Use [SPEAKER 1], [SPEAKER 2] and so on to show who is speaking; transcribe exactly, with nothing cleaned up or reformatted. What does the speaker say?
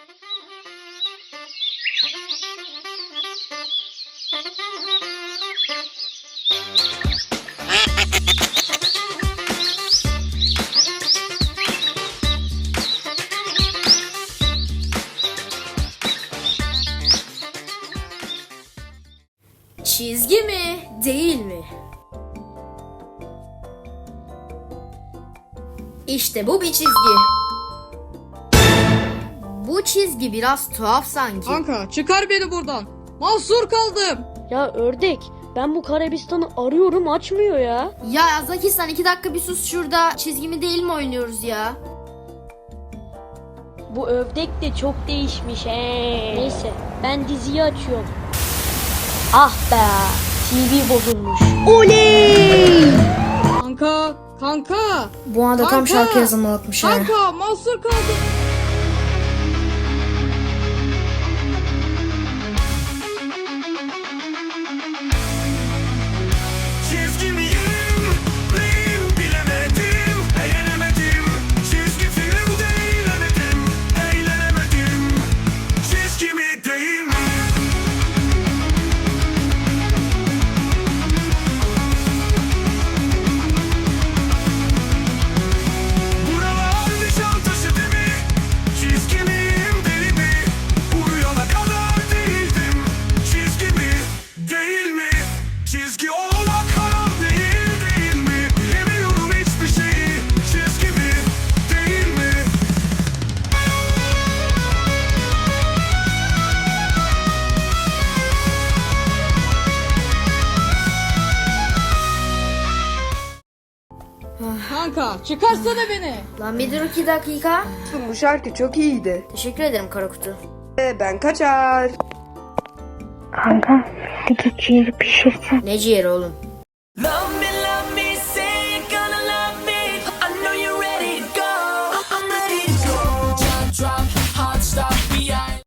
[SPEAKER 1] Çizgi mi, değil mi? İşte bu bir çizgi. Bu çizgi biraz tuhaf sanki.
[SPEAKER 2] Kanka çıkar beni buradan. Mahsur kaldım.
[SPEAKER 3] Ya ördek, ben bu Karabistan'ı arıyorum, açmıyor ya.
[SPEAKER 1] Ya Zaki, sen iki dakika bir sus şurada. Çizgi mi değil mi oynuyoruz ya?
[SPEAKER 3] Bu ördek de çok değişmiş he. Neyse, ben diziyi açıyorum. Ah be, T V bozulmuş. Oley!
[SPEAKER 2] Kanka, kanka.
[SPEAKER 1] Bu anda tam
[SPEAKER 2] Kanka!
[SPEAKER 1] şarkı yazılmalıkmış ha.
[SPEAKER 2] Kanka mahsur kaldım.
[SPEAKER 4] Çizgi miyim? Neyim bilemedim, eğlenemedim. Çizgi filmde eğlenemedim, eğlenemedim. Çizgi mi değil mi? Buralar Nişantaşı değil mi? Çizgi miyim deli mi? Uyuyana kadar değildim. Çizgi mi değil mi? Çizgi olmak haram değil değil mi? Bilemiyorum hiçbir şeyi. Çizgi mi değil mi?
[SPEAKER 2] Kanka çıkarsana beni.
[SPEAKER 1] Lan bir dur iki dakika.
[SPEAKER 5] Bu şarkı çok iyiydi.
[SPEAKER 1] Teşekkür ederim Karakutu.
[SPEAKER 5] Ee, ben kaçar.
[SPEAKER 6] Kanka, bir de ciğeri pişirsen.
[SPEAKER 1] Ne ciğeri oğlum?